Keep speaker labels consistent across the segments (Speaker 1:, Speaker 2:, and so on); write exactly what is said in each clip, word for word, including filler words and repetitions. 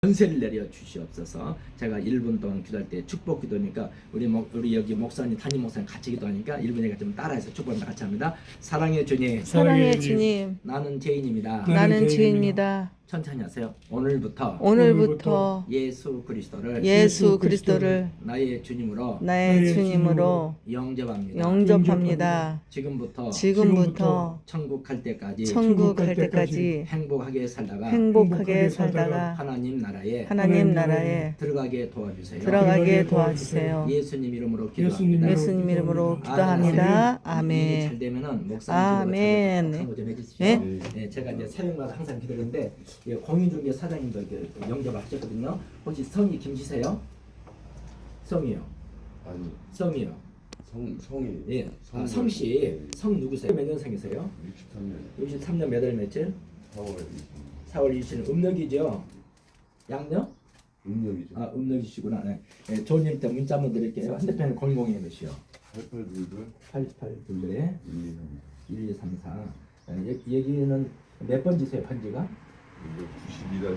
Speaker 1: 권세를 내려 주시옵소서. 제가 일 분 동안 기도할 때 축복 기도니까 우리 목, 우리 여기 목사님 담임 목사님 같이 기도하니까 일 분에 좀 따라해서 축복합니다. 같이 합니다. 사랑의 주님,
Speaker 2: 사랑의 주님,
Speaker 1: 나는 죄인입니다.
Speaker 2: 나는 죄인입니다.
Speaker 1: 천천히 하세요. 오늘부터
Speaker 2: 오늘부터
Speaker 1: 예수 그리스도를
Speaker 2: 예수 그리스도를
Speaker 1: 나의 주님으로
Speaker 2: 나의 주님으로
Speaker 1: 영접합니다.
Speaker 2: 영접합니다.
Speaker 1: 지금부터
Speaker 2: 지금부터
Speaker 1: 천국 갈 때까지
Speaker 2: 천국 갈 때까지
Speaker 1: 행복하게 살다가
Speaker 2: 행복하게 살다가
Speaker 1: 하나님 나라에
Speaker 2: 하나님 나라에
Speaker 1: 들어가게 도와주세요.
Speaker 2: 들어가게 도와주세요.
Speaker 1: 예수님 이름으로 기도합니다.
Speaker 2: 예수님 이름으로 기도합니다.
Speaker 1: 일이
Speaker 2: 아멘.
Speaker 1: 잘 되면은 목사님
Speaker 2: 아멘.
Speaker 1: 기도가 좀 해주십시오.
Speaker 2: 네?
Speaker 1: 네, 제가 이제 새벽마다 항상 기도하는데 예, 공인중개 사장님도 이렇게 영접을 하셨거든요. 혹시 성이 김씨세요? 성이요.
Speaker 3: 아니
Speaker 1: 성이요.
Speaker 3: 성 성이
Speaker 1: 예. 아,
Speaker 3: 성-
Speaker 1: 성씨 성 누구세요? 몇 년생이세요?
Speaker 3: 육십삼 년
Speaker 1: 육십삼 년 몇 월 며칠?
Speaker 3: 사월
Speaker 1: 사월 이십일 음력이죠. 양력?
Speaker 3: 음력이죠.
Speaker 1: 아 음력이시구나. 네. 네, 조님한테 문자 한번 드릴게요. 핸드폰은 공공이 몇이요?
Speaker 3: 팔팔둘둘
Speaker 1: 팔팔 둘
Speaker 3: 일 이 삼
Speaker 1: 일 이 삼 사. 여기는 몇 번지세요? 번지가?
Speaker 3: 구십이다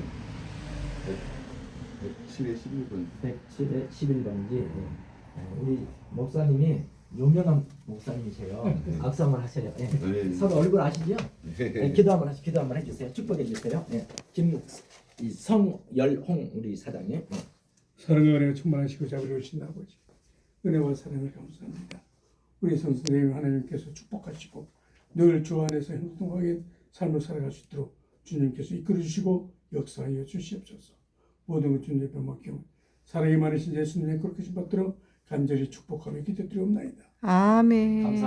Speaker 3: 백칠에 십일 번.
Speaker 1: 백칠에 십일 번지. 네, 우리 목사님이 유명한 목사님이세요. 악수 한번 하세요. 네.
Speaker 3: 네.
Speaker 1: 서로 얼굴 아시죠? 네, 기도 한번 하시, 기도 한번 해주세요. 축복해 주세요. 네. 김성열홍 우리 사장님. 네.
Speaker 4: 사랑과 은혜가 충만하시고 자비로우신 아버지, 은혜와 사랑을 감사합니다. 우리 선생님 하나님께서 축복하시고 늘 주 안에서 행동하게 삶을 살아갈 수 있도록 주님께서 이끌어 주시고 역사하여 주시옵소서. 모든 것 주님 옆에 맡기고 사랑이 많으신 예수님의 그렇게 신 받들어 간절히 축복하며 기도드리옵나이다.
Speaker 2: 아멘.
Speaker 1: 감사합니다.